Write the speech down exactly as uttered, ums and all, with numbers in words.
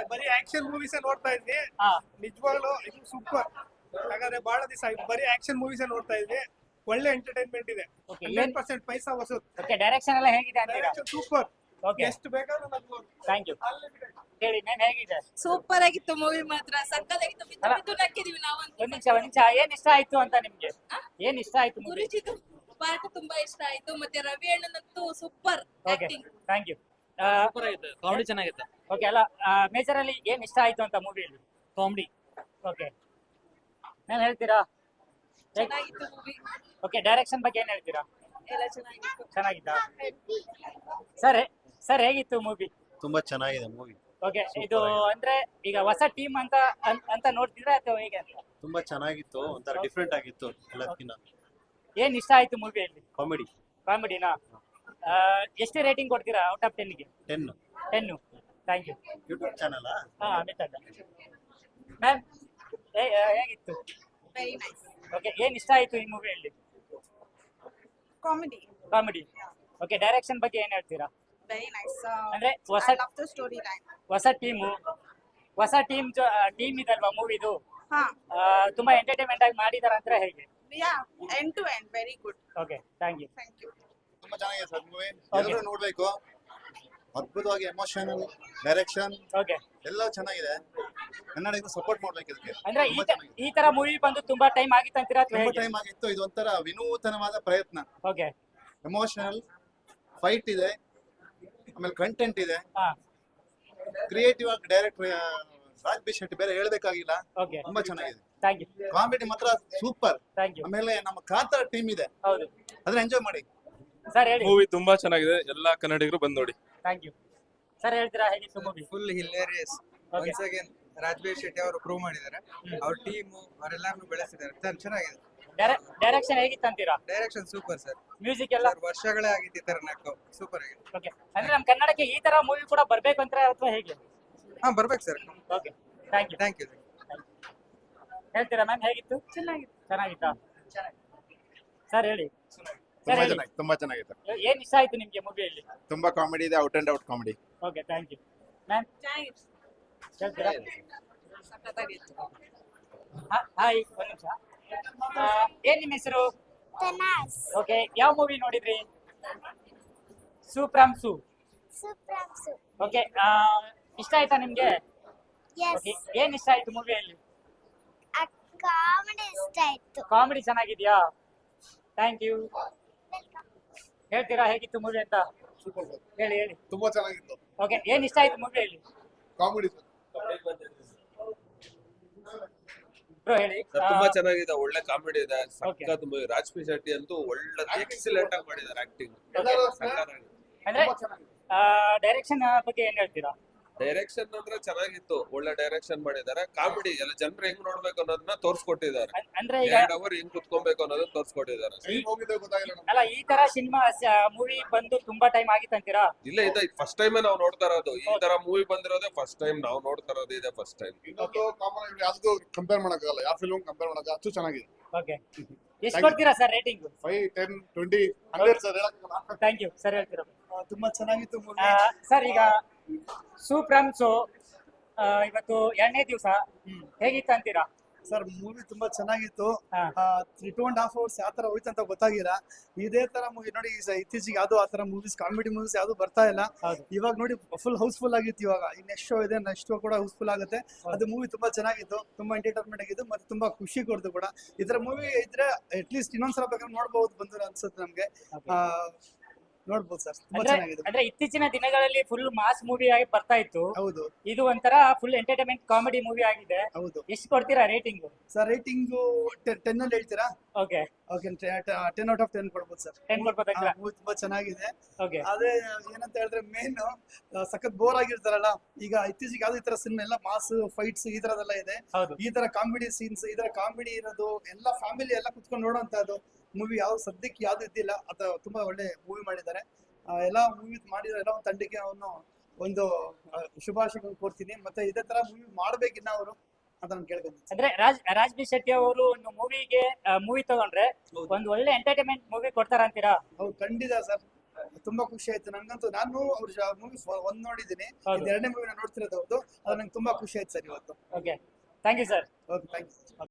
ಬರೀ action movies ನೋಡ್ತಾ ಇದ್ವಿ. ಹಾ ನಿಜವಾಗ್ಲೂ ಇದು ಸೂಪರ್. ಹಾಗಾದ್ರೆ ಬಹಳ ದಿವಸ ಆಯ್ತು ಬರೀ ಆಕ್ಷನ್ ಮೂವೀಸ್ ನೋಡ್ತಾ ಇದ್ವಿ. ಒಳ್ಳೆ ಎಂಟರ್ಟೈನ್ಮೆಂಟ್ ಇದೆ. Okay, ಹಂಡ್ರೆಡ್ ಏನ್- ಪರ್ಸೆಂಟ್ ಪೈಸಾ ವಸೂಲ್. ಓಕೆ ಡೈರೆಕ್ಷನ್ ಎಲ್ಲ ಹೇಗಿದೆ ಅಂತೀರಾ? ಸೂಪರ್. ಓಕೆ ಎಷ್ಟು ಬೇಕಾದ್ರೂ ನಗ್ಬೋದು. Thank you. ಹೇಳಿ ಮ್ಯಾಮ್ ಹೇಗಿದೆ? ಸೂಪರ್ ಆಗಿತ್ತು ಮೂವಿ ಮಾತ್ರ ಸಕ್ಕತ್ತಾಗಿತ್ತು. ಬಿದ್ದು ಅಲ್ಲ. ಬಿದ್ದು ನಕ್ಕಿದೀವಿ ನಾವಂತೂ. ಒಂದ್ ನಿಮಿಷ ಒಂದ್ ನಿಮಿಷ ಏನ್ ಇಷ್ಟ ಆಯ್ತು ಅಂತ ನಿಮ್ಗೆ? ಏನ್ ಇಷ್ಟ ಆಯ್ತು ಮೂವಿ? ಗುರುಜಿದು ಪಾಠ ತುಂಬಾ ಇಷ್ಟ ಆಯ್ತು. ಮತ್ತೆ ರವಿ ಅಣ್ಣನಂತೂ super okay acting. Thank you. Super ಆಗಿತ್ತು, ಕಾಮಿಡಿ ಚೆನ್ನಾಗಿತ್ತು. ಓಕೆ ಅಲ್ಲ ಮೇಜರ್ ಅಲ್ಲಿ ಏನ್ ಇಷ್ಟ ಆಯ್ತು ಅಂತ ಮೂವಿಯಲ್ಲಿ? ಕಾಮಿಡಿ ಓಕೆ ಮ್ಯಾಮ್ ಹೇಳ್ತೀರಾ? ಚೆನ್ನಾಗಿತ್ತು ಮೂವಿ ಓಕೆ ಡೈರೆಕ್ಷನ್ ಬಗ್ಗೆ ಏನ್ ಹೇಳ್ತೀರಾ? ಎಲ್ಲ ಚೆನ್ನಾಗಿತ್ತು. ಚೆನ್ನಾಗಿತ್ತಾ ಸರ್? ಸರ್ ಹೇಗಿತ್ತು ಮೂವಿ? ತುಂಬಾ ಚೆನ್ನಾಗಿದೆ ಮೂವಿ. ಓಕೆ ಇದು ಅಂದ್ರೆ ಈಗ ಹೊಸ ಟೀಮ್ ಅಂತ ಅನ್- ಅಂತ ನೋಡ್ತಿದ್ರೆ ಅಥವಾ ಹೇಗೆ ಅಂತ? ತುಂಬಾ ಚೆನ್ನಾಗಿತ್ತು, ಒಂಥರ ಡಿಫ್ರೆಂಟ್ ಆಗಿತ್ತು ಎಲ್ಲದಕ್ಕಿಂತ. ಏನ್ ಇಷ್ಟ ಆಯ್ತು ಮೂವಿಯಲ್ಲಿ? ಕಾಮಿಡಿ ಕಾಮಿಡಿನಾ? ಎಷ್ಟು ರೇಟಿಂಗ್ ಕೊಡ್ತೀರಾ ಔಟ್ ಆಫ್ ಟೆನ್ಗೆ? Ten. Ten. Thank you. YouTube channel ಹಾ ಅಮಿತ್ ಅಡ್ಡ. ಮ್ಯಾಮ್ ಹೇಗಿತ್ತು? ವೆರಿ ನೈಸ್ ಓಕೆ ಏನ್ ಇಷ್ಟ ಆಯ್ತು ಈ ಮೂವಿಯಲ್ಲಿ? Comedy comedy. ಓಕೆ ಡೈರೆಕ್ಷನ್ ಬಗ್ಗೆ ಏನ್ ಹೇಳ್ತೀರಾ? Very nice. ಅಂದ್ರೆ ಹೊಸ I love the story line. ಹೊಸ ಟೀಮು ಹೊಸ ಟೀಮ್ ಟೀಮ್ ಇದಲ್ವಾ ಮೂವಿದು? ಹಾ ತುಂಬಾ ಎಂಟರ್ಟೈನ್ಮೆಂಟ್ ಆಗಿ ಮಾಡಿದಾರ ಅಂತ ಹೇಗೆ? Yeah end to end very good. Okay thank you. Thank you. ತುಂಬಾ ಚೆನ್ನಾಗಿದೆ ಸರ್ ಮೂವಿ. Okay. ಎಲ್ಲರೂ ನೋಡ್ಬೇಕು. ಅದ್ಭುತವಾಗಿ ಎಮೋಷನಲ್ ಡೈರೆಕ್ಷನ್ ಓಕೆ ಎಲ್ಲ ಚೆನ್ನಾಗಿದೆ. ಕನ್ನಡಕ್ಕೆ ಸಪೋರ್ಟ್ ಮಾಡ್ಬೇಕು ಇದಕ್ಕೆ. ಅಂದ್ರೆ ಈ ತುಂಬಾ ತ- ಚೆನ್ನಾಗಿದೆ. ಈ ತರ ಮೂವಿ ಬಂದು ತುಂಬಾ ಟೈಮ್ ಆಗಿತ್ತು ಅಂತೀರಾ ಅಥವಾ ತುಂಬಾ ಹೇಗೆ? ಟೈಮ್ ಆಗಿತ್ತು. ಇದು ಒಂಥರ ವಿನೂತನವಾದ ಪ್ರಯತ್ನ. ಓಕೆ ಎಮೋಷನಲ್ ಫೈಟ್ ಇದೆ, ಆಮೇಲೆ ಕಂಟೆಂಟ್ ಇದೆ, ಹಾ ಕ್ರಿಯೇಟಿವ್ ಆಗಿ ಡೈರೆಕ್ಟ್ ರಾಜ್ ಬಿ ಶೆಟ್ಟಿ ಬೇರೆ ಹೇಳ್ಬೇಕಾಗಿಲ್ಲ. ಓಕೆ ತುಂಬಾ ಚೆನ್ನಾಗಿದೆ. Thank you. ಕಾಮಿಡಿ ಮಾತ್ರ ಸೂಪರ್. Thank you. ಆಮೇಲೆ ನಮ್ಮ ಕಾಂತಾರ ಟೀಮ್ ಇದೆ, ಹೌದು ಅದನ್ನ ಎಂಜಾಯ್ ಮಾಡಿ. ಸರ್ ಹೇಳಿ. ಮೂವಿ ತುಂಬಾ ಚೆನ್ನಾಗಿದೆ, ಎಲ್ಲಾ ಕನ್ನಡಿಗರು ಬಂದ್ ನೋಡಿ. Thank you. ಸರ್ ಹೇಳ್ತೀರಾ ಹೇಗಿತ್ತು movie? Full hilarious. Okay. Once again Rajbir Shetty ಅವರು ಪ್ರೂವ್ ಮಾಡಿದ್ದಾರೆ. ಅವ್ರ ಟೀಮ್ ಅವರೆಲ್ಲಾರು ಬೆಳೆಸಿದ್ದಾರೆ. ಚನ್- ಚೆನ್ನಾಗಿದೆ. ಡೈರೆಕ್ಷನ್ ಹೇಗಿತ್ತು ಅಂತೀರಾ? Direction super sir. ಮ್ಯೂಸಿಕ್ ಎಲ್ಲ ಸರ್ ವರ್ಷಗಳೇ ಆಗಿತ್ತು ಈ ತರ ನಕ್ಕು. ಸೂಪರ್ ಆಗಿದೆ. ಓಕೆ ಅಂದ್ರೆ ನಮ್ಮ ಕನ್ನಡಕ್ಕೆ ಈ ತರ ಮೂವಿ ಕೂಡ ಬರ್ಬೇಕು ಅಂತ ಅಥವಾ ಹೇಗೆ? ಹಾ ಬರ್ಬೇಕು sir. Okay thank you. Thank you. ಹೇಳ್ತೀರಾ ಮ್ಯಾಮ್ ಹೇಗಿತ್ತು? ಚೆನ್ನಾಗಿತ್ತು. ಚೆನ್ನಾಗಿತ್ತಾ? ಸರ್ ಹೇಳಿ. ಸರ್ ತುಂಬಾ ಹೇಳಿ ಚೆನ್ನಾಗಿ ತುಂಬಾ ಚೆನ್ನಾಗಿದೆ. ಏನ್ ಇಷ್ಟ ಆಯ್ತು ನಿಮ್ಗೆ ಮೂವಿಯಲ್ಲಿ? ತುಂಬಾ ಕಾಮಿಡಿ ಇದೆ, out and out comedy. Okay thank you. Ma'am ಚೆನ್ನಾಗಿತ್ತು. ಹೇಳ್ತೀರಾ? ಸಕ್ಕತ್ತಾಗಿತ್ತು. ಹಾಯ್ ಒಂದ್ ನಿಮಿಷ. ಆ, ಏನ್ ನಿಮ್ಮ ಹೆಸರು? ತನಾಸ್ ಓಕೆ ಯಾವ ಮೂವಿ ನೋಡಿದ್ರಿ? ಸೂಪ್ರಮ್ ಸೂ. ಸುಪ್ರಾಂಸು ಓಕೆ ಇಷ್ಟ ಆಯ್ತಾ ನಿಮ್ಗೆ? ಎಸ್ ಓಕೆ ಏನ್ ಇಷ್ಟ ಆಯ್ತು ಮೂವಿಯಲ್ಲಿ? ಆ ಕಾಮಿಡಿ ಇಷ್ಟ ಆಯ್ತು. ಕಾಮಿಡಿ ಚೆನ್ನಾಗಿದ್ಯಾ? Thank you. ಹೇಳ್ತೀರಾ ಹೇಗಿತ್ತು ಮೂವಿ ಅಂತ? ಹೇಳಿ ಹೇಳಿ. ತುಂಬಾ ಚೆನ್ನಾಗಿತ್ತು. ಓಕೆ ಏನ್ ಇಷ್ಟ ಆಯ್ತು ಮೂವಿಯಲ್ಲಿ? ಕಾಮಿಡಿ ಬ್ರೋ ಹೇಳಿ. ಸರ್, ಆ, ತುಂಬಾ ಚೆನ್ನಾಗಿದೆ, ಒಳ್ಳೆ ಕಾಮಿಡಿ ಇದೆ, Okay. ಸಖತ್ ಮೂವಿ. ರಾಜ್ಬಿ ಶೆಟ್ಟಿ ಅಂತೂ ಒಳ್ಳೆ ಎಕ್ಸಲೆಂಟ್ ಆಗಿ ಮಾಡಿದ್ದಾರೆ ಆಕ್ಟಿಂಗ್. ಅಂದ್ರೆ ಡೈರೆಕ್ಷನ್ ಬಗ್ಗೆ ಏನ್ ಹೇಳ್ತೀರಾ? ಡೈರೆಕ್ಷನ್ ಅಂದ್ರೆ ಚೆನ್ನಾಗಿತ್ತು, ಒಳ್ಳೆ ಡೈರೆಕ್ಷನ್ ಮಾಡಿದ್ದಾರೆ. ಕಾಮಿಡಿ ಎಲ್ಲ ಜನರು ಹೆಂಗ್ ನೋಡ್ಬೇಕು ಅನ್ನೋದನ್ನ ತೋರ್ಸ್ಕೊಟ್ಟಿದ್ದಾರೆ. ಅನ್- ಅಂದ್ರೆ ಈಗ ಎರಡ್ ಅವರ್ ಹೆಂಗ್ ಕುತ್ಕೊಬೇಕು ಅನ್ನೋದನ್ನ ತೋರ್ಸ್ಕೊಟ್ಟಿದ್ದಾರೆ. ಅಲ್ಲ ಈ ತರ ಸಿನಿಮಾ ಮೂವಿ ಬಂದು ತುಂಬಾ ಟೈಮ್ ಆಗಿತ್ತು ಅಂತೀರಾ? ಇಲ್ಲ ಇದೆ ಫಸ್ಟ್ ಟೈಮ್ ನಾವು ನೋಡ್ತಾ ಇರೋದು. ಈ ತರ ಮೂವಿ ಬಂದಿರೋದೇ ಫಸ್ಟ್ ಟೈಮ್ ನಾವು ನೋಡ್ತಾ ಇರೋದು, ಇದೆ ಫಸ್ಟ್ ಟೈಮ್. ಇನ್ನೊಂದು ಕಾಮನ್ ಯಾವ್ದು ಕಂಪೇರ್ ಮಾಡಕ್ಕಾಗಲ್ಲ, ಯಾವ ಫಿಲ್ಮ್ ಕಂಪೇರ್ ಮಾಡಕ್ಕೆ ಅಷ್ಟು ಚೆನ್ನಾಗಿದೆ. ಓಕೆ ಎಷ್ಟು ಕೊಡ್ತೀರಾ sir rating? Five ten twenty hundred sir ಹೇಳಕ್ಕಾಗಲ್ಲ. Thank you. ಸರ್ ಹೇಳ್ತೀರಾ? ತುಂಬಾ ಚೆನ್ನಾಗಿತ್ತು ಮೂವಿ. ಸರ್ ಈಗ ಸೂಪ್ರಮ್ ಸೋ ಇವತ್ತು ಎರಡನೇ ದಿವಸ ಹೇಗಿತ್ತು ಅಂತೀರಾ? ಸರ್ ಮೂವಿ ತುಂಬಾ ಚೆನ್ನಾಗಿತ್ತು. ಹಾ. Three two and half hours ಯಾವ ತರ ಹೋಯ್ತು ಅಂತ ಗೊತ್ತಾಗಿಲ್ಲ. ಇದೇ ತರ ಮೂವಿ ನೋಡಿ ಈ ಸ- ಇತ್ತೀಚೆಗೆ ಯಾವ್ದು ಆ ತರ ಮೂವೀಸ್ ಕಾಮಿಡಿ ಮೂವೀಸ್ ಯಾವ್ದು ಬರ್ತಾ ಇಲ್ಲ. ಹೌದು. ಇವಾಗ ನೋಡಿ ಫುಲ್ ಹೌಸ್ಫುಲ್ ಆಗಿತ್ತು. ಇವಾಗ ಈ ನೆಕ್ಸ್ಟ್ ಶೋ ಇದೆ, ನೆಕ್ಸ್ಟ್ ಶೋ ಕೂಡ ಹೌಸ್ಫುಲ್ ಆಗುತ್ತೆ. ಅದು ಮೂವಿ ತುಂಬಾ ಚೆನ್ನಾಗಿತ್ತು, ತುಂಬಾ ಎಂಟರ್ಟೈನ್ಮೆಂಟ್ ಆಗಿತ್ತು, ಮತ್ತೆ ತುಂಬಾ ಖುಷಿ ಕೊಡ್ತು ಕೂಡ. ಈ ತರ ಮೂವಿ ಇದ್ರೆ ಅಟ್ ಲೀಸ್ಟ್ ಇನ್ನೊಂದ್ಸಲ ಬೇಕಾದ್ರೆ ನೋಡ್ಬಹುದು ಬಂದ್ರೆ ಅನ್ಸುತ್ತೆ ನಮ್ಗೆ. ಆ, ನೋಡ್ಬೋದು ಸರ್, ತುಂಬಾ ಅಂದ್ರೆ ಚೆನ್ನಾಗಿದೆ. ಅಂದ್ರೆ ಇತ್ತೀಚಿನ ದಿನಗಳಲ್ಲಿ ಫುಲ್ ಮಾಸ್ ಮೂವಿ ಆಗಿ ಬರ್ತಾ ಇತ್ತು. ಹೌದು ಇದು ಒಂಥರ ಫುಲ್ ಎಂಟರ್ಟೈನ್ಮೆಂಟ್ ಕಾಮಿಡಿ ಮೂವಿ ಆಗಿದೆ. ಹೌದು ಎಷ್ಟು ಕೊಡ್ತೀರಾ ರೇಟಿಂಗ್? ಸರ್ ರೇಟಿಂಗು ಟೆನ್ ಅಲ್ಲಿ ಹೇಳ್ತೀರಾ? Okay okay ten out of ten ಕೊಡ್ಬೋದು ಸರ್. ಟೆನ್ ಕೊಡ್ಬೋದಂತೀರಾ? ಮೂವಿ ತುಂಬಾ ಚೆನ್ನಾಗಿದೆ. ಓಕೆ ಅದೇ ಏನಂತ ಹೇಳಿದ್ರೆ ಮೇನ್ ಸಖತ್ ಬೋರ್ ಆಗಿರ್ತಾರಲ್ಲ, ಈಗ ಇತ್ತೀಚೆಗೆ ಯಾವ್ದು ಈ ತರ ಸಿನಿಮಾ ಎಲ್ಲ ಮಾಸ್ ಫೈಟ್ಸ್ ಈ ತರದೆಲ್ಲ ಇದೆ. ಹೌದು. ಈ ತರ ಕಾಮಿಡಿ ಸೀನ್ಸ್, ಈ ತರ ಕಾಮಿಡಿ ಇರೋದು ಎಲ್ಲ ಫ್ಯಾಮಿಲಿ ಎಲ್ಲ ಕುತ್ಕೊಂಡು ನೋಡೋಂತದ್ದು ಮೂವಿ ಯಾವ್ದು ಸದ್ಯಕ್ಕೆ ಯಾವ್ದು ಇದ್ದಿಲ್ಲ. ಅಥವಾ ತುಂಬಾ ಒಳ್ಳೆ ಮೂವಿ ಮಾಡಿದ್ದಾರೆ. ಆ, ಎಲ್ಲ ಮೂವಿ ಮಾಡಿರೋ ಎಲ್ಲ ಒಂದು ತಂಡಕ್ಕೆ ಅವನು ಒಂದು ಆ, ಶುಭಾಶಯಗಳನ್ನು ಕೋರ್ತೀನಿ. ಮತ್ತೆ ಇದೇ ತರ ಮೂವಿ ಮಾಡ್ಬೇಕಿನ್ನ ಅವರು ಅಂತ ನಾನು ಕೇಳ್ಕೊಂತೀನಿ. ಅಂದ್ರೆ ರಾಜ್ ರಾಜ್ ಬಿ ಶೆಟ್ಟಿ ಅವರು ಒಂದು ಮೂವಿಗೆ ಮೂವಿ ತಗೊಂಡ್ರೆ ಒಂದು ಒಳ್ಳೆ ಎಂಟರ್ಟೈನ್ಮೆಂಟ್ ಮೂವಿ ಕೊಡ್ತಾರ ಅಂತೀರಾ? ಅವ್ರು ಖಂಡಿತ ಸರ್, ತುಂಬಾ ಖುಷಿ ಆಯ್ತು ನಂಗಂತೂ. ನಾನು ಅವ್ರ ಮೂವಿ ಒಂದ್ ನೋಡಿದ್ದೀನಿ, ಹೌದು. ಇದು ಎರಡನೇ ಮೂವಿ ನಾನು ನೋಡ್ತಿರೋದು ಅವ್ರದ್ದು. ಅದು ನಂಗೆ ತುಂಬಾ ಖುಷಿ ಆಯ್ತು ಸರ್ ಇವತ್ತು. Okay thank you sir. Okay thank you.